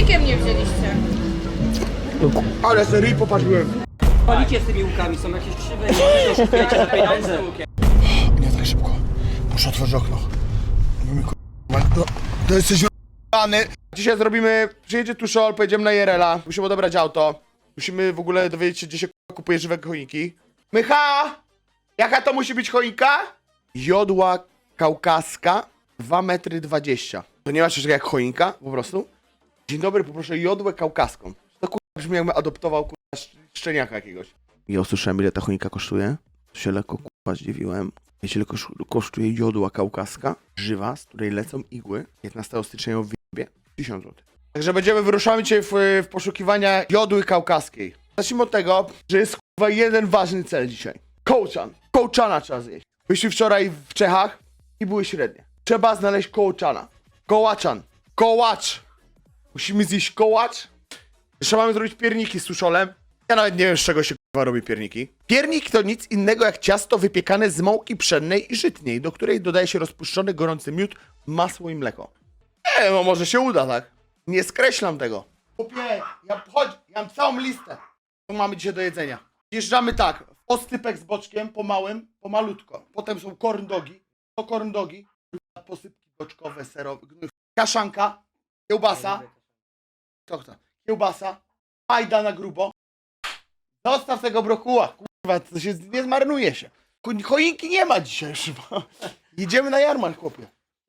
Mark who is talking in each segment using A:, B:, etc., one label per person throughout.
A: Silnikiem nie wzięliście.
B: Ale serii popatrzyłem.
C: Palicie z tymi łukami, są jakieś krzywe i oszukujecie za pieniądze.
B: Nie tak szybko. Muszę otworzyć okno. No, to jesteś r***any. Dzisiaj zrobimy, przyjedzie Tuszol, pojedziemy na Jerela. Musimy odebrać auto. Musimy w ogóle dowiedzieć się, gdzie się kupuje żywe choinki. Mycha! Jaka to musi być choinka? Jodła kaukaska 2,20 m. To nie ma czegoś jak choinka, po prostu? Dzień dobry, poproszę jodłę kaukaską. To kurwa brzmi jakbym adoptował kurwa szczeniaka jakiegoś. Ja usłyszałem, ile ta choinka kosztuje. To się lekko kurwa zdziwiłem. Wiecie, ile kosztuje jodła kaukaska? Żywa, z której lecą igły. 15 stycznia ją wyjebie. 1000 zł. Także wyruszamy dzisiaj w poszukiwania jodły kaukaskiej. Zacznijmy od tego, że jest kurwa jeden ważny cel dzisiaj. Kołczan. Kołczana trzeba zjeść. Byliśmy wczoraj w Czechach i były średnie. Trzeba znaleźć kołczana. Kołaczan. Kołacz. Musimy zjeść kołacz. Jeszcze mamy zrobić pierniki z tuszolem. Ja nawet nie wiem, z czego się kurwa robi pierniki. Piernik to nic innego jak ciasto wypiekane z mąki pszennej i żytniej, do której dodaje się rozpuszczony gorący miód, masło i mleko. Nie, no może się uda, tak? Nie skreślam tego. Chłopie, ja mam całą listę. Co mamy dzisiaj do jedzenia. Wjeżdżamy tak, oscypek z boczkiem, po małym, po malutko. Potem są corn dogi, to corn dogi, posypki boczkowe, serowe, kaszanka, kiełbasa, kiełbasa, fajda na grubo. Zostaw tego brokuła, kurwa, to się nie zmarnuje się. Choinki nie ma dzisiaj chyba. Jedziemy na jarmark, chłopie.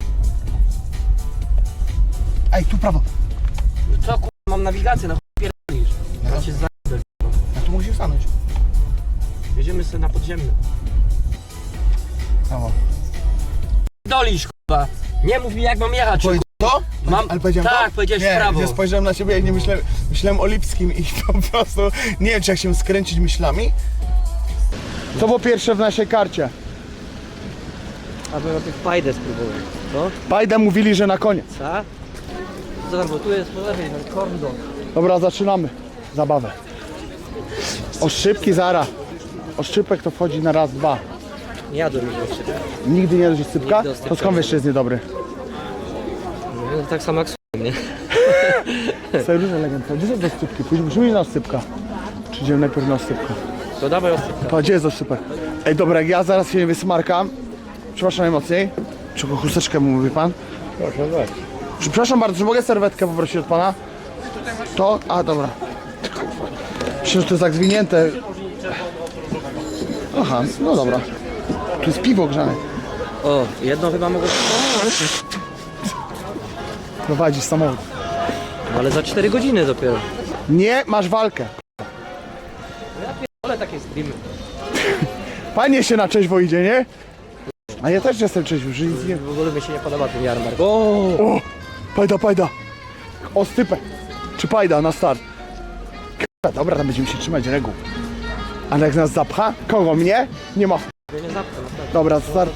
B: Ej, tu prawo.
C: Co kurwa, mam nawigację, na chuj pierdolisz. Ja cię zajdę.
B: Ja tu musimy stanąć.
C: Jedziemy sobie na podziemny.
B: Prawo.
C: Dolisz kurwa. Nie mów mi jak mam jechać.
B: To?
C: Mam...
B: Ale powiedziałem
C: tak,
B: to?
C: powiedziałeś
B: nie,
C: w prawo.
B: Nie, spojrzałem na ciebie, jak nie myślałem o Lipskim i po prostu nie wiem, czy jak się skręcić myślami. Co było pierwsze w naszej karcie?
C: Aby na tych pajdę spróbować. Co?
B: Pajdę mówili, że na koniec.
C: Co? Co tam, bo tu jest po lewej, ten corn dog.
B: Dobra, zaczynamy zabawę. Oszczypki zara. Oszczypek to wchodzi na raz, dwa.
C: Nie jadłem już oszczypka.
B: Nigdy nie jadłeś oscypka?
C: Nigdy oscypka
B: To skąd wiesz, że jest niedobry?
C: No, tak samo jak nie?
B: Sobie różne legendy. Gdzie są te oscypki? Później musimy iść na oscypka. Czy idziemy najpierw na oscypka?
C: To dawaj oscypka.
B: Pa, gdzie jest oscypek? Ej, dobra, jak ja zaraz się nie wysmarkam. Przepraszam najmocniej. Czego chusteczkę mu mówi pan?
C: Proszę weź.
B: Przepraszam bardzo, czy mogę serwetkę poprosić od pana? To? A, dobra. Myślę, że to jest tak zwinięte. Aha, no dobra. Tu jest piwo grzane.
C: O, jedno chyba mogę...
B: Prowadzisz samochód.
C: Ale za 4 godziny dopiero.
B: Nie, masz walkę.
C: Ale takie streamy.
B: Panie się na trzeźwo idzie, nie? A ja też jestem trzeźwy, że nic nie...
C: W ogóle mi się nie podoba ten jarmark.
B: O! Pajda. Oscypek. Czy pajda na start? Dobra, tam będziemy się trzymać reguł. Ale jak nas zapcha? Kogo? Mnie? Nie ma.
C: Nie zapnę, naprawdę.
B: Dobra, start.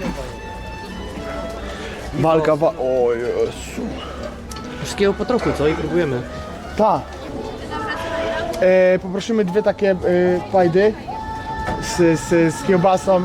B: Walka, o Jezu.
C: Wszystkiego po trochu, co? I próbujemy.
B: Ta. Poprosimy dwie takie pajdy z kiełbasą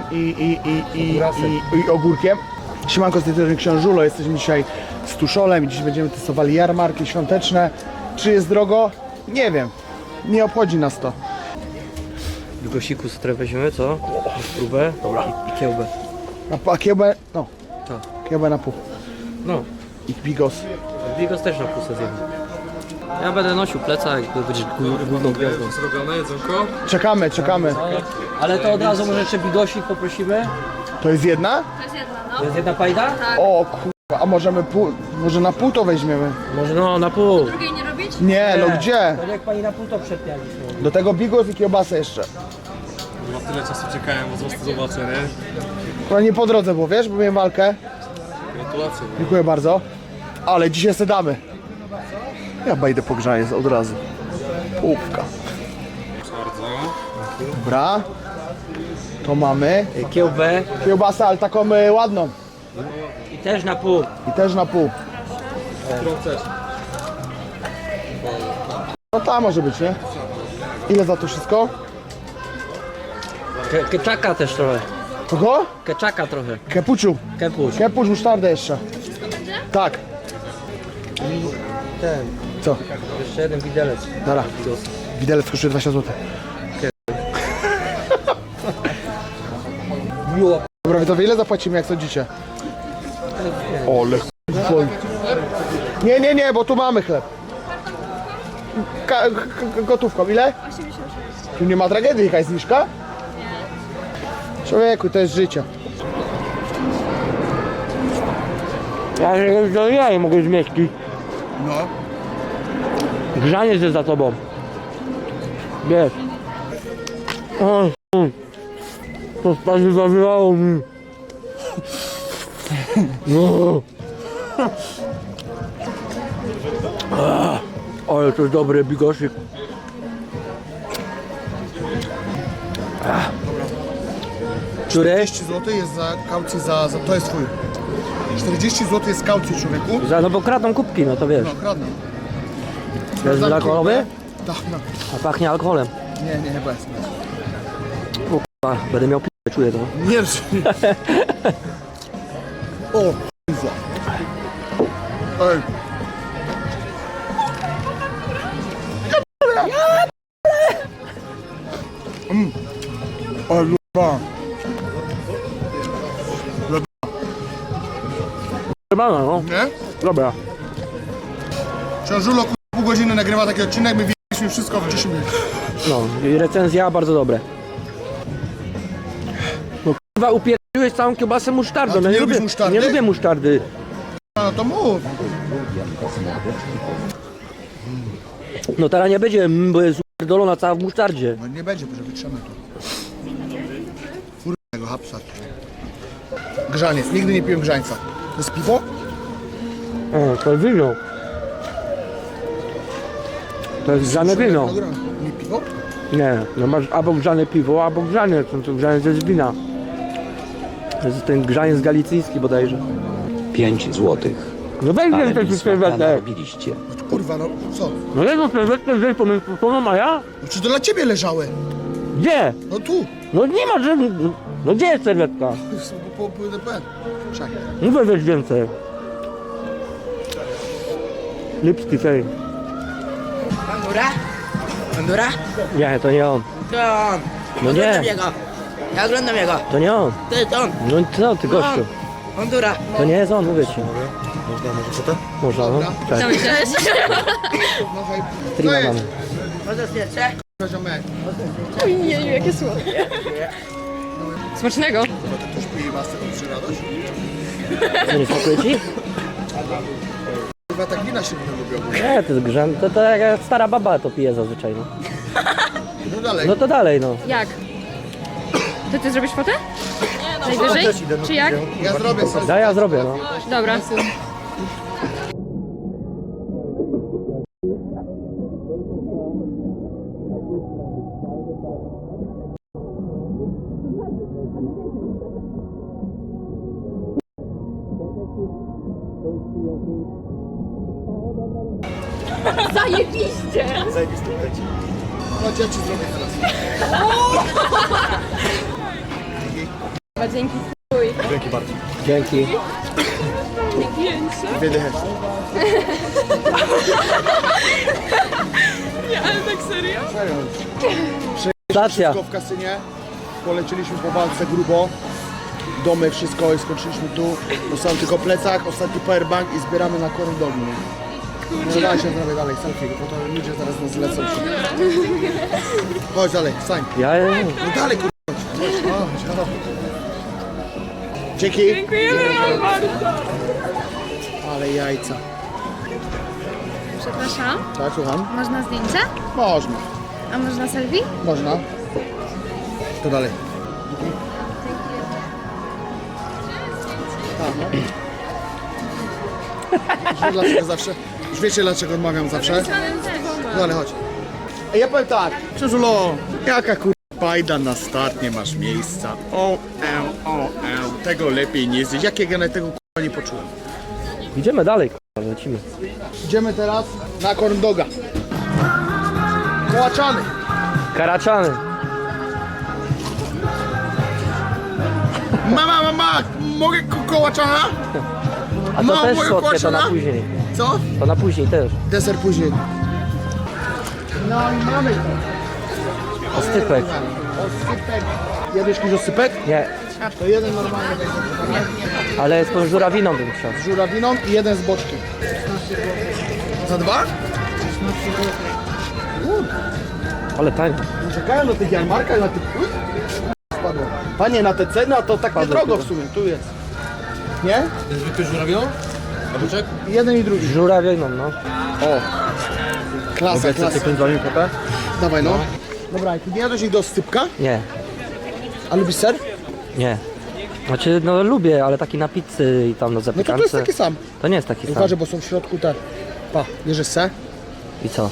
B: i ogórkiem. Siemanko, z tej strony Książulo. Jesteśmy dzisiaj z Tuszolem i dziś będziemy testowali jarmarki świąteczne. Czy jest drogo? Nie wiem. Nie obchodzi nas to.
C: Bigosiku sobie weźmiemy, co? Na próbę. Dobra. I kiełbę.
B: A kiełbę? No.
C: Tak.
B: Kiełbę na pół.
C: No.
B: I bigos.
C: Bigos też na pusę zjemy. Ja będę nosił plecak, jak będziesz główną gwiazdą.
D: Zrobione jedzonko?
B: Czekamy.
C: Ale to od razu może jeszcze bigosik poprosimy.
B: To jest jedna?
A: To jest jedna, no.
C: To jest jedna pajda?
B: O kurwa, a możemy pół, może na pół to weźmiemy?
C: Może no, na pół.
A: Drugiej nie robić?
B: Nie, no gdzie?
C: To jak pani na pół to przepialiśmy.
B: Do tego bigos i kiełbasę jeszcze.
D: Chyba tyle czasu czekałem, bo zaraz to zobaczę, nie?
B: To nie po drodze było, wiesz, bo miałem walkę.
D: Gratulacje.
B: Dziękuję bardzo. Ale dzisiaj se damy. Ja bajdę pogrzanie od razu. Półka.
D: Bardzo.
B: Dobra. To mamy.
C: Kiełbę
B: Kiełbasę, ale taką ładną.
C: i też na pół.
B: I też na pół.
D: Którą chcesz?
B: No ta może być, nie? Ile za to wszystko?
C: Keczaka też trochę.
B: Kogo?
C: Keczaka trochę.
B: Kepuciu.
C: Kepuś.
B: Kepuć, musztardę jeszcze. Tak.
C: Ten.
B: Co?
C: Jeszcze jeden widelec.
B: Dobra. Widelec kosztuje 20 zł.
C: Miło.
B: Dobra, wy to ile zapłacimy, jak sądzicie? Ole chuj. Nie, bo tu mamy chleb. Gotówką, ile? 86. Tu nie ma tragedii, jakaś zniżka? Nie. Człowieku, to jest życie.
C: Ja nie mogę zmieścić.
B: No.
C: Grzaniec jest za tobą. Wiesz. O, to stary zawierało mi. No. Ale to jest dobry bigosik. Który?
B: 40 zł jest za kaucję to jest twój. 40 zł jest kaucji, człowieku.
C: No bo kradną kubki, no to wiesz.
B: No, kradną.
C: Jest alkoholowy?
B: Tak, no.
C: A pachnie alkoholem.
B: Nie, bez.
C: A, będę miał p***, czuję to.
B: Nie, o, kurwa. Ej. O, lupa.
C: Chyba no.
B: Nie?
C: Dobra.
B: Książulo pół godziny nagrywa taki odcinek, my widzieliśmy wszystko w 10 minut.
C: No, i recenzja bardzo dobre. No kurwa, upierdoliłeś całą kiełbasę musztardą.
B: A ty nie lubisz musztardy?
C: Nie lubię musztardy.
B: No to mów.
C: No teraz nie będzie, bo jest upierdolona cała w musztardzie.
B: No nie będzie, bo że wytrzemy tu. Kurwa, hapsa. Grzaniec, nigdy nie piłem grzańca. To jest piwo?
C: O, to jest wino. To jest grzane wino.
B: Nie piwo?
C: Nie, no masz albo grzane piwo, albo grzaniec. No to grzaniec jest wina. To jest ten grzaniec galicyjski bodajże.
A: 5 złotych.
C: No weź
A: Ale
C: więcej
A: mi
C: tych
A: smaga
C: serwetek.
A: narobiliście.
B: Kurwa, no co?
C: No jedną serwetkę wziąć pomiędzy mikrofonem, a ja?
B: No czy to dla ciebie leżały?
C: Gdzie?
B: No tu.
C: No nie ma żadnych... No gdzie jest serwetka?
B: Po DPN. Czekaj.
C: Mówię weź więcej. Lipski fame.
E: Bandura? Bandura?
C: Nie, to nie on.
E: To on.
C: No nie.
E: Oglądam jego. Ja oglądam jego.
C: To nie on.
E: To jest on.
C: No co ty gościu?
E: Bandura.
C: To nie jest on, mówię ci.
B: Można, może co to?
C: Można, no.
B: Dobra.
C: Cześć.
B: No hej.
C: Streama mamy.
E: Może zdjęcie?
B: Ziomek.
F: Jeju, jakie słodkie. Smacznego.
B: Ktoś pije masę przy radość?
C: Co, nie smakuje ci?
B: Chyba tak wina się nie lubią.
C: Nie, to jest grzan. To jak stara baba to pije zazwyczaj, no.
B: No dalej.
C: No to dalej, no.
F: Jak? To ty zrobisz fotę? Najwyżej? Czy jak?
B: Ja zrobię sobie.
C: Ja zrobię, no.
F: Dobra. Zajebiście!
B: Chodź, ja ci zrobię teraz.
F: Dzięki.
C: Dzięki.
B: Dwie dychy.
F: Ale tak serio?
C: Stacja.
B: Wszystko w kasynie. Polecieliśmy po walce grubo. Domy, wszystko i skończyliśmy tu. Zostałem tylko plecak, ostatni powerbank i zbieramy na korydowi. No daj się zrobię dalej, selfie, bo to ludzie zaraz nas zlecą. Chodź dalej, stań.
C: Ja...
B: No dalej, kurwa. Chodź, chodź. Dzięki.
F: Dziękujemy wam bardzo.
B: Ale jajca.
G: Przepraszam,
B: Tak, słucham?
G: można zdjęcie?
B: Można.
G: A można selfie?
B: Można. To dalej. A, no. Już dlaczego zawsze? Już wiecie dlaczego odmawiam zawsze? No ale chodź. Ej, ja powiem tak. Krzyżulo, jaka kurwa bajda na start, nie masz miejsca. O, tego lepiej nie zjeść. Jak ja na tego kurwa nie poczułem.
C: Idziemy dalej, k***a, lecimy.
B: Idziemy teraz na corn doga. Kołaczany.
C: Karaczany.
B: Mama, mogę kołaczana?
C: A to
B: No,
C: też
B: moje
C: słodkie, to na
B: kłaczana?
C: później.
B: Co?
C: To na później też.
B: Deser później. No i mamy to.
C: Ostypek.
B: Osypek. Jadłeś jakiś osypek?
C: Nie,
B: To jeden normalny będzie.
C: ale z tą żurawiną bym chciał.
B: Z żurawiną i jeden z boczkiem. Za dwa?
C: Ale tańo.
B: Czekają na tych jarmarkach, na tych... Spadło. Panie, na te ceny, a to tak
C: Spadło
B: niedrogo w
C: chyba.
B: sumie, tu jest. Nie?
D: Zwykły żurawią? A boczek?
B: Jeden i drugi.
C: Żurawiną, no.
B: O! Klasa, klasa.
D: wami potę?
B: Dawaj no. Dobra, ty nie jadłeś nigdy oscypka?
C: Nie,
B: A lubisz ser?
C: nie. Znaczy, no lubię, ale taki na pizzy i tam na
B: No to
C: zapiekance.
B: to jest taki sam.
C: To nie jest taki sam.
B: Uważaj, bo są w środku te... Pa, bierzesz se?
C: I co?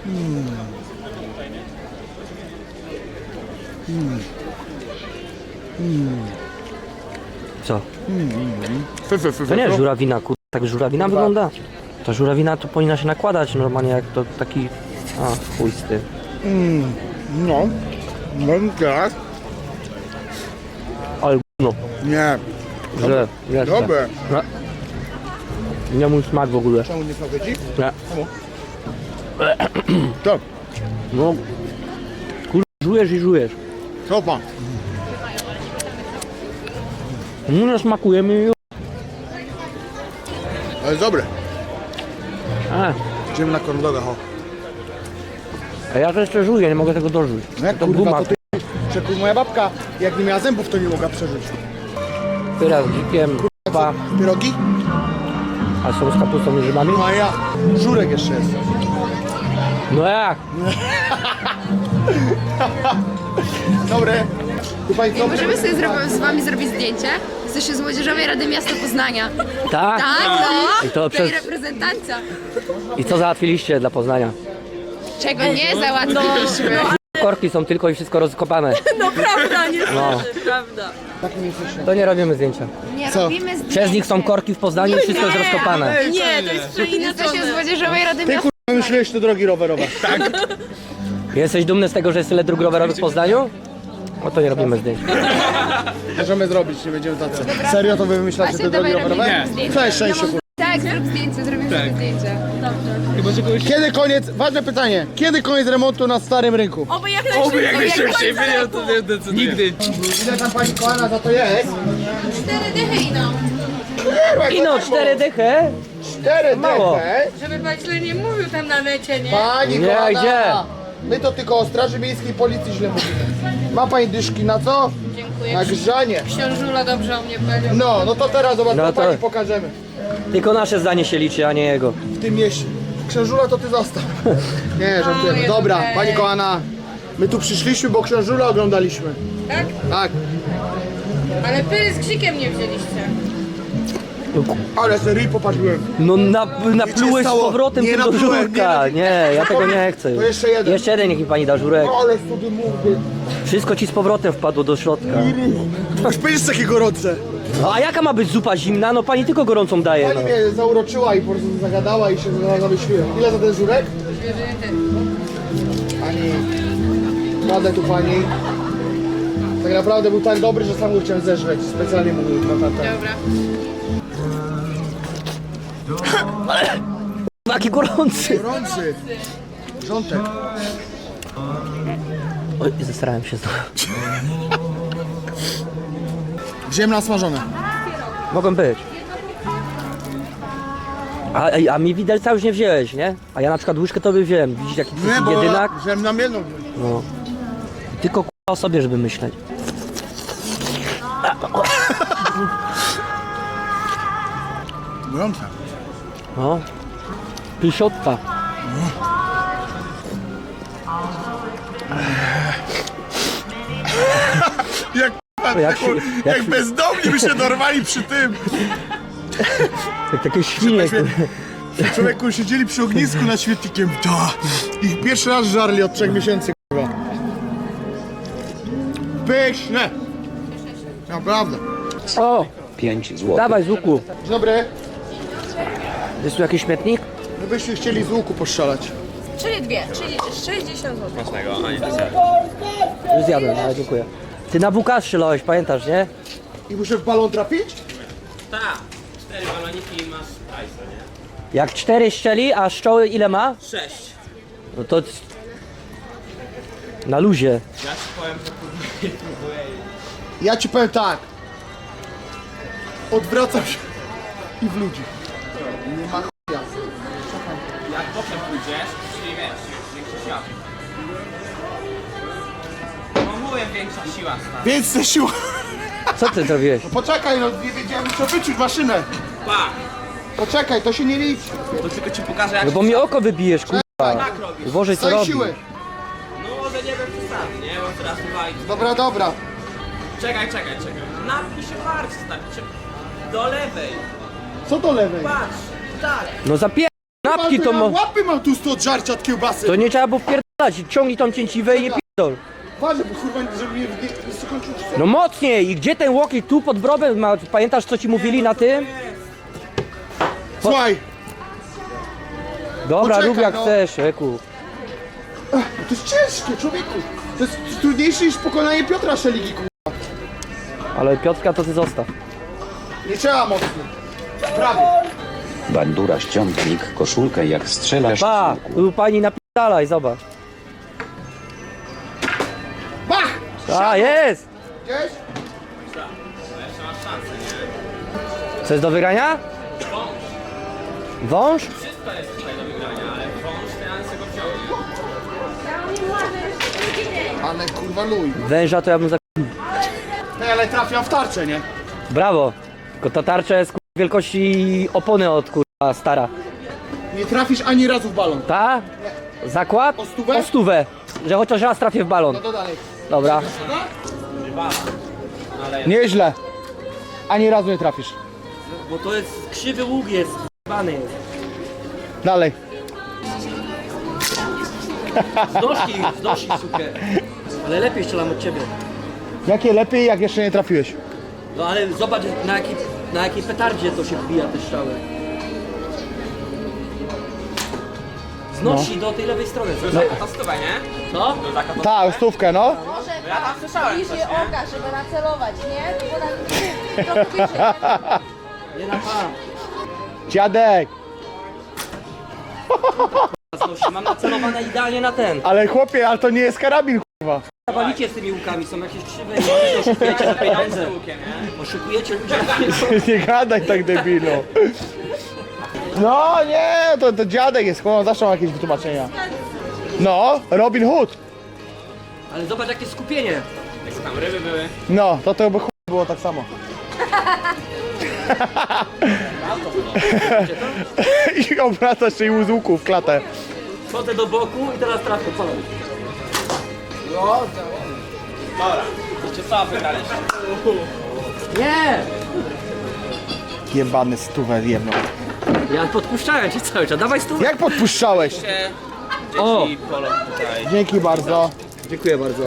C: Co? To nie jest żurawina, kur... Tak żurawina wygląda? Ta żurawina to powinna się nakładać normalnie jak to taki... A, chuj z tym.
B: No. No teraz?
C: Ale no,
B: Nie.
C: że jeszcze.
B: Dobre.
C: Nie mój smak w ogóle.
B: Czemu nie smakuje ci?
C: Nie.
B: To.
C: No, kur... żujesz i żujesz.
B: Co pan?
C: Nie smakuje mi już.
B: Ale dobre.
C: A,
B: Idziemy na corn doga, ho.
C: a ja to jeszcze żuję, nie mogę tego dorzuć.
B: No jak
C: To
B: kurwa,
C: guma.
B: to ty... Czekuj, moja babka, jak nie miała zębów, to nie mogła przeżyć.
C: Pyra z dzikiem, pa,
B: Pierogi?
C: a są z kapustą i grzybami?
B: No a ja. Żurek jeszcze jest.
C: No jak?
B: Dobre. Tu pani co?
F: Możemy sobie z wami zrobić zdjęcie? Jesteście z Młodzieżowej Rady Miasta Poznania.
C: Tak?
F: Tak, no!
C: I to
F: Tej
C: przez...
F: reprezentancja.
C: I co załatwiliście dla Poznania?
F: Czego nie załatwiliśmy.
C: Korki są tylko i wszystko rozkopane.
F: No prawda, nie
C: No,
F: prawda.
C: to nie robimy zdjęcia.
F: Nie
B: Co?
F: robimy zdjęcia.
C: Przez nich są korki w Poznaniu i wszystko jest rozkopane.
F: Nie, to jest przeinaczone. Jesteście z Młodzieżowej Rady
B: Ty
F: Miasta.
B: kurwa, myślałeś te drogi rowerowe. Tak.
C: Jesteś dumny z tego, że jest tyle dróg rowerowych w Poznaniu? No to nie robimy zdjęć.
B: Możemy zrobić, nie będziemy tacy. Serio to wy wymyślacie te
F: Właśnie,
B: drogi
F: dawaj,
B: rowerowe?
F: robimy zdjęcie.
B: Całe szczęście, kurwa.
F: Tak, zrób zdjęcie, zrobimy sobie zdjęcie. Dobrze.
B: Kiedy koniec, ważne pytanie, kiedy koniec remontu na Starym Rynku?
F: Oby jak najszybciej.
D: to nie decyduje. Nigdy.
B: Ile tam pani kochana za to jest?
F: 4 dychy idą.
C: Ino, 4 dychy?
B: 4
C: Mało.
B: dychy.
F: Żeby pan źle nie mówił tam na necie, nie?
B: Pani
C: Nie,
B: kochana.
C: gdzie?
B: My to tylko o Straży Miejskiej Policji źle mówimy. Ma pani dyszki na co?
F: Dziękuję.
B: Na grzanie.
F: Książula dobrze o mnie powiedział.
B: No to teraz zobacz,
C: No
B: to
C: to-
B: pani pokażemy.
C: Tylko nasze zdanie się liczy, a nie jego.
B: W tym mieście. Książula to ty zostaw. Nie, żartujemy.
F: jest
B: Dobra,
F: okej.
B: pani kochana. My tu przyszliśmy, bo Książula oglądaliśmy.
F: Tak?
B: Tak.
F: Ale pyry z krzykiem nie wzięliście.
B: Ale serii popatrzyłem.
C: No naplułeś z
B: stało?
C: powrotem
B: Nie
C: tym do
B: naplułem,
C: żurka. Nie, ja tego nie chcę.
B: To jeszcze jeden.
C: Jeszcze jeden niech mi pani da żurek.
B: Ale sobie mówię.
C: Wszystko ci z powrotem wpadło do środka.
B: Aż będziesz takie gorące.
C: No a jaka ma być zupa zimna? No pani tylko gorącą daje.
B: Pani
C: No.
B: mnie zauroczyła i po prostu zagadała i się zamyśliła. Ile za ten żurek? Pani, kładę tu pani. Tak naprawdę był tak dobry, że sam go chciałem zeżreć. Specjalnie mówił na tatę.
F: Dobra.
C: Taki gorący.
B: Gorący. Rzątek.
C: Oj, zesrałem się znowu.
B: Ziemna smażone.
C: Mogą być. A mi widelca już nie wziąłeś, nie? A ja na przykład łyżkę tobie wziąłem. Widzisz jaki to jest jedynak?
B: ziemna jedną.
C: No. Tylko o sobie, żeby myśleć.
B: Gorące.
C: No. Pysiotka. Jak
B: bezdomni by się dorwali przy tym.
C: Jak takie świnie.
B: Człowieku, siedzieli przy ognisku nad świetnikiem. Ich pierwszy raz żarli od 3 miesięcy, kurwa. Pyszne. Naprawdę.
C: O,
A: 5 zł.
C: dawaj z łuku.
B: Dzień dobry.
C: Jest tu jakiś śmietnik?
B: My byśmy chcieli z łuku postrzelać.
F: Czyli dwie, czyli 60 zł.
C: Już zjadłem, ale dziękuję. Ty na WK strzelałeś, pamiętasz, nie?
B: I muszę w balon trafić?
G: Tak, 4 baloniki i masz hajsa, nie?
C: Jak 4 szczeli, a szczoły ile ma?
E: 6.
C: No to... Na luzie.
B: Ja ci powiem tak. Odwracam się i w ludzi. Nie ma chuja.
G: Jak potem pójdziesz, czyli wiesz, większa siła. No mówię, większa siła, stary.
B: Więc te siła.
C: Co ty zrobiłeś?
B: Poczekaj, no nie wiedziałem, muszę wyczuć maszynę.
G: Pa!
B: Poczekaj, to się nie liczy.
G: To tylko ci pokażę jak
C: No bo mi oko wybijesz, kurwa.
G: tak robisz.
C: Boże, co
B: Daj
C: robi?
B: siłę.
G: No może nie wiem przesadzę, nie? Bo teraz wywali.
B: Dobra, dobra.
G: Czekaj. Napnij się bardziej, stary. Do lewej.
B: Co do lewej?
G: Patrz. Tak.
C: No napki to
B: ja
C: ma...
B: łapy mam tu 100 od żarcia od kiełbasy.
C: To nie trzeba było wpierdalać. Ciągnij tą cięciwę i nie pierdol.
B: Patrz, bo kurwa, żeby mnie nie skończył.
C: No mocniej! I gdzie ten łokieć tu pod brobem ma? Pamiętasz co ci mówili na tym?
B: Słuchaj,
C: Dobra,
B: Poczekaj,
C: rób jak
B: no.
C: chcesz, Eku.
B: to jest ciężkie, człowieku. To jest trudniejsze niż pokonanie Piotra Szeligi, kurwa.
C: Ale Piotrka to ty zostaw.
B: Nie trzeba mocno. Prawie.
A: Bandura ściągnik koszulkę jak strzelasz w
C: Pa!
A: słupku.
C: Tu pani napierdalaj, zobacz.
B: Bach!
C: A, jest!
B: Gdzieś?
C: Co jest do wygrania? Wąż?
G: Wszystko jest tutaj do wygrania, ale wąż ja sobie go wziąłem.
B: Ale kurwa luj.
C: Węża to ja bym za...
B: Ej, ale trafiam w tarczę, nie?
C: Brawo! Tylko ta tarcza jest wielkości opony od kurwa stara.
B: Nie trafisz ani razu w balon.
C: Ta? Zakład?
B: O stówę?
C: O stówę. Że chociaż raz trafię w balon.
B: No to dalej.
C: Dobra.
B: Nieźle. Ani razu nie trafisz.
C: Bo to jest krzywy łuk jest. Bany jest.
B: Dalej.
C: Znosi sukę. Ale lepiej strzelam od ciebie.
B: Jakie lepiej, jak jeszcze nie trafiłeś?
C: No ale zobacz na jakiej petardzie to się wbija te strzały. Znosi do tej lewej strony.
G: To stówę, nie?
C: Co?
B: Tak, stówkę, no.
G: Ja tam słyszałem coś,
F: Bliżej
G: nie?
F: oka, żeby nacelować, nie? Bo na trochę wyżej.
C: Nie na pan.
B: Dziadek.
C: Znosi. Mam nacelowane idealnie na ten.
B: Ale chłopie, ale to nie jest karabin, kurwa.
C: Zawalicie z tymi łukami, są jakieś krzywe i oszukujecie za pieniądze. Oszukujecie ludzi.
B: Nie gadaj tak, debilu. No nie, to dziadek jest, chłopie, zawsze ma jakieś wytłumaczenia. No, Robin Hood.
C: Ale zobacz jakie skupienie.
G: Jak tam ryby były.
B: No, to by chuj było tak samo. I obracasz się i z łuku w klatę.
C: Chodzę do boku i teraz trafię. Co robisz?
G: Wiecie co, wygraliście.
C: Nie!
B: Jebany stówę jedną.
C: Ja podpuszczałem cię cały czas. Dawaj stół.
B: Jak podpuszczałeś?
C: O!
G: Dzieci polo tutaj.
B: Dzięki bardzo.
C: Dziękuję bardzo.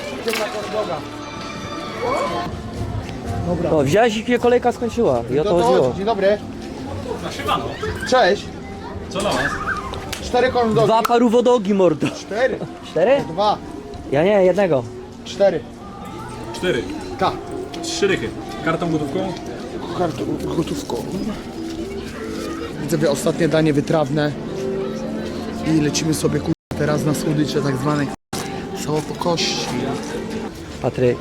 C: O, wziąłeś i kolejka skończyła. I o to chodziło.
B: Dzień dobry. Cześć.
D: Co na was?
B: 4 corn dogi.
C: 2 parówodogi, mordo.
B: 4.
C: 4?
B: 2.
C: Ja nie, jednego.
B: 4.
D: 4.
B: K.
D: 3 rychy. Kartą gotówką?
B: Gotówką. Widzę ostatnie danie wytrawne. I lecimy sobie teraz na słodycze tak zwane cało po kości.
C: Patryk,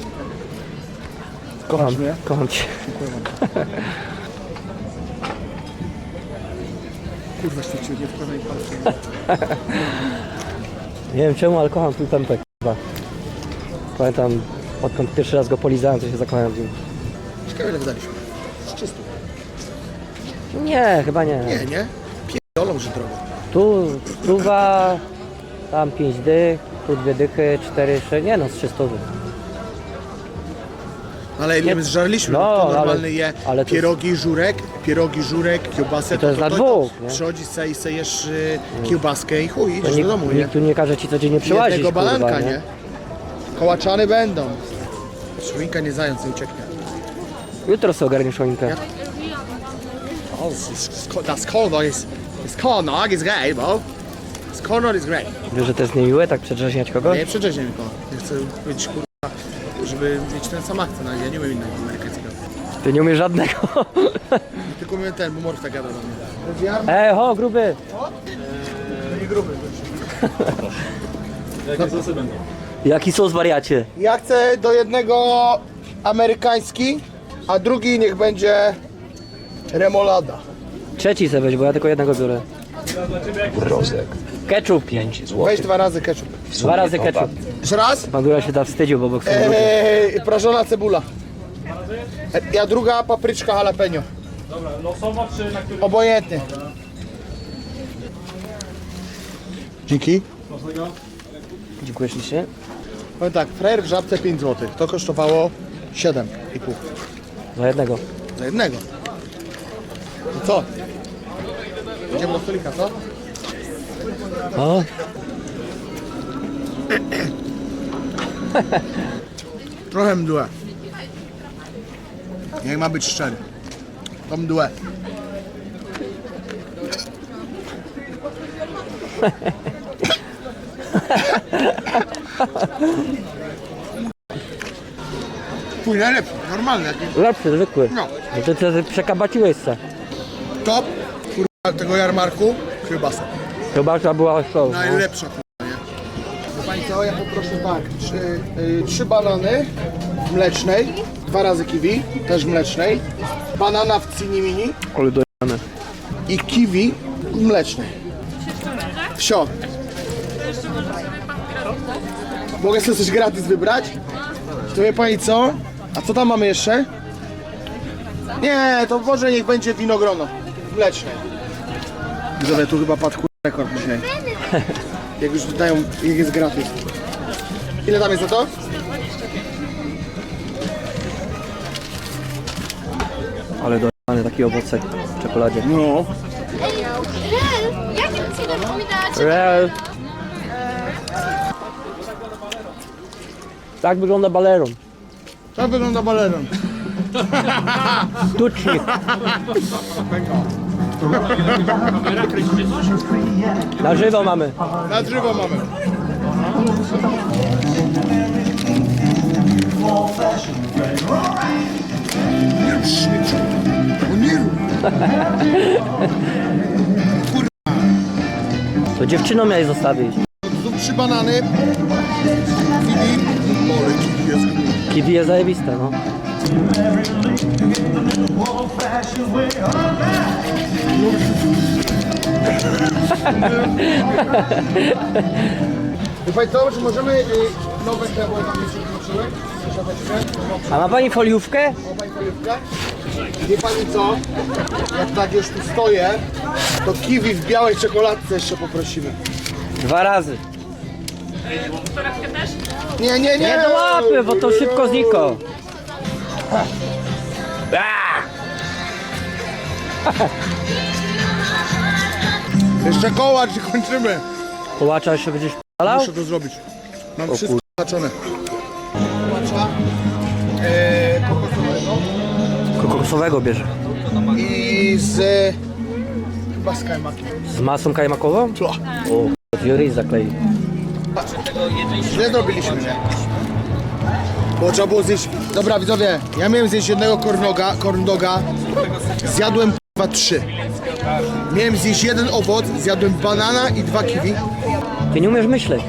B: Kochasz mnie?
C: kocham cię.
B: Kurwa, świecił, nie wkładaj palca.
C: Nie wiem czemu, ale kocham twój pępek. Chyba. Pamiętam, odkąd pierwszy raz go polizałem, to się zakochałem w nim.
B: Ciekawe ile wydaliśmy. Z 300.
C: Nie, chyba nie.
B: Nie? Pierdolą, że drogo.
C: Tu stuwa, tam 5 dych, tu 2 dychy, 4, 6, nie no, z 300.
B: Ale ile my zżarliśmy,
C: No,
B: no, to normalny
C: ale-
B: je
C: ale to
B: pierogi, żurek, kiełbasę.
C: to jest dla dwóch, nie?
B: Przychodzisz sobie i sejesz kiełbaskę i chuj,
C: To
B: idziesz do domu, nie?
C: nikt tu nie każe ci codziennie przyłazić,
B: Jednego balanka,
C: kurwa,
B: nie? Kołaczany będą. Szwinka nie zając, nie ucieknie.
C: Jutro sobie ogarniesz choinkę.
B: Oh, das Kornor ist great, bro. Das Kornor ist great.
C: Wiesz, że to jest niemiłe, tak przedrzeźniać kogoś?
B: Nie przedrzeźnię mi go. Ja chcę być kurwa, żeby mieć ten sam akcent, ale ja nie umiem innego amerykańskiego.
C: Ty nie umiesz żadnego.
B: Tylko mnie ten, bo Morf tak gada do mnie.
C: Ho, gruby.
B: Nie gruby.
D: Jakie sosy będą?
C: Jaki sos, wariacie?
B: Ja chcę do jednego amerykański, a drugi niech będzie remolada.
C: Trzeci sobie weź, bo ja tylko jednego biorę.
A: Mrozek.
C: Ketchup.
A: 5
B: Weź
A: zł.
B: 2 razy ketchup.
C: 2 razy ketchup.
B: Jeszcze raz?
C: Bandura się tam wstydził, bo boksu.
B: Prażona cebula. Ja druga papryczka jalapeno.
D: Dobra, losowo czy na który?
B: Obojętnie. Dzięki.
C: Dziękuję ślicznie.
B: Powiem tak, frajer w Żabce 5 zł. To kosztowało 7,5
C: Za jednego.
B: za jednego. I co? Idziemy do stolika, co?
C: O,
B: Trochę mdłe. Jak ma być szczery. To mdłe. Twój najlepszy, normalny jakiś.
C: lepszy, zwykły.
B: No.
C: No ty przekabaciłeś se.
B: Top, kurwa, tego jarmarku, kiełbasa.
C: Kiełbasa była show. No.
B: Najlepsza, kurwa, nie? No pani co, ja poproszę tak, 3 banany w mlecznej, 2 razy kiwi, też mlecznej, banana w cini mini
C: Ale dojane.
B: i kiwi w mlecznej. Wsio. Mogę sobie coś gratis wybrać? To wie pani co? A co tam mamy jeszcze? Nie, to może niech będzie winogrono mleczne. Widzowie, tu chyba padł rekord dzisiaj. Jak już dają, jak jest gratis. Ile tam jest za to?
C: Ale dojane taki owocek w czekoladzie.
B: No.
F: Jakie cudem widać?
C: Real. Tak wygląda baleron.
B: Tak wygląda baleron.
C: Tucznik. Na żywo mamy.
B: Na drzewo mamy.
C: To dziewczyną miałeś zostawić.
B: Tu 3 banany. Kiwi. Ole, kiwi jest.
C: Kiwi jest zajebiste, no.
B: Wie pani co, czy możemy nowe chlebo tam jeszcze wróciły?
C: A ma pani foliówkę?
B: Wie pani co? Jak tak już tu stoję, to kiwi w białej czekoladce jeszcze poprosimy.
C: 2 razy.
B: Nie, nie, nie!
C: Nie do łapy, bo to szybko zniko.
B: Jeszcze kołacz i kończymy.
C: Kołacza jeszcze będziesz p***alał?
B: Muszę to zrobić. Mam wszystko zaznaczone. Kołacza kokosowego
C: Kokosowego bierze.
B: i z... chyba z kajmakiem.
C: Z masą kajmakową?
B: Co?
C: O, Fury zaklei.
B: Źle zrobiliśmy, nie? Bo trzeba było zjeść... Dobra widzowie, ja miałem zjeść jednego corn doga, zjadłem chyba 3. Miałem zjeść 1 owoc, zjadłem banana i 2 kiwi.
C: Ty nie umiesz myśleć.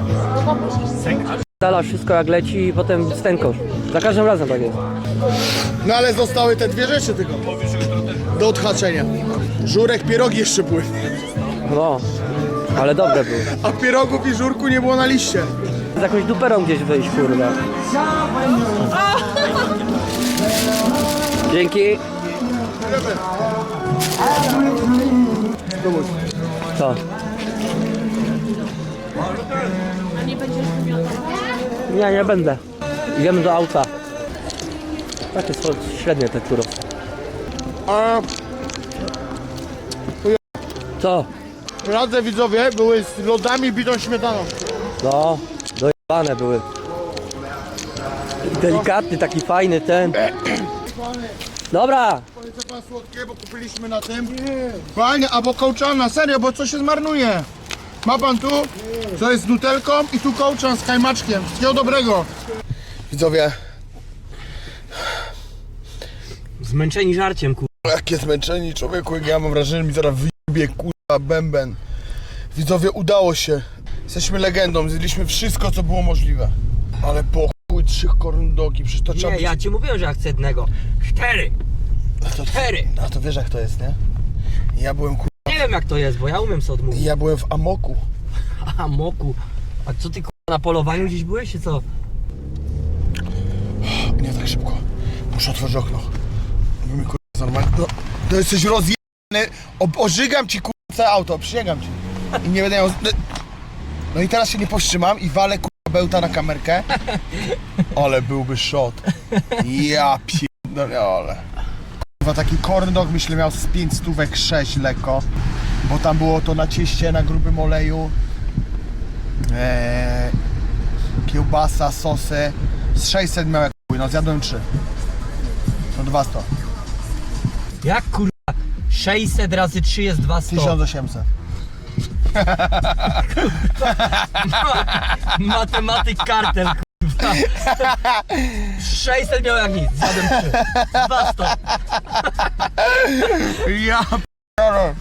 C: Dala wszystko jak leci i potem stękosz. Za każdym razem tak jest.
B: No ale zostały te 2 rzeczy tylko do odhaczenia. Żurek, pierogi jeszcze były.
C: No, ale dobre były.
B: A pierogów i żurku nie było na liście.
C: Z jakąś duperą gdzieś wyjść, kurwa. Dzięki. Co? Nie, nie będę. Idziemy do auta. Takie są średnie te czuro.
B: A
C: Co?
B: radzę widzowie, były z lodami bitą śmietaną.
C: No, dojebane były. Delikatny, taki fajny ten. Dobra,
B: Chce pan słodkie, bo kupiliśmy na tym. Fajnie, albo kołczana, serio, bo co się zmarnuje. Ma pan tu, co jest z nutelką i tu kołczan z kajmaczkiem. Wszystkiego dobrego. Widzowie,
C: Zmęczeni żarciem, kurwa.
B: Jakie zmęczeni, człowieku, jak ja mam wrażenie, że mi zaraz wyjebie, kurwa, bęben. Widzowie, udało się. Jesteśmy legendą, zjedliśmy wszystko, co było możliwe. Ale po chuj 3 corn dogi, przecież to trzeba
C: Nie,
B: być...
C: ja ci mówiłem, że ja chcę jednego. 4!
B: to,
C: 4!
B: a to wiesz jak to jest, nie? Ja byłem, kurwa,
C: Nie wiem jak to jest, bo ja umiem sobie odmówić.
B: ja byłem w amoku.
C: A moku. A co ty kurwa na polowaniu gdzieś byłeś, czy co?
B: Nie tak szybko. Muszę otworzyć okno. Bo mi, kurwa, normalnie... No, to jesteś rozjebany. Ożygam ci, kurwa, całe auto, przysięgam ci. I nie będę miał... No i teraz się nie powstrzymam i walę, kurwa, bełta na kamerkę. Ale byłby shot. Ja pierdolę. Kurwa, taki corn dog, myślę, miał z 5 stówek 6 lekko. Bo tam było to na cieście, na grubym oleju. Kiełbasa, sosy. Z 600 miał jak chuj, no zjadłem 3. No 200.
C: Jak kurwa? 600 razy 3 jest 200.
B: 1800.
C: Matematyk kartel, kurwa. 600 miał jak nic, zjadłem 3. 200.
B: Ja p***dolę.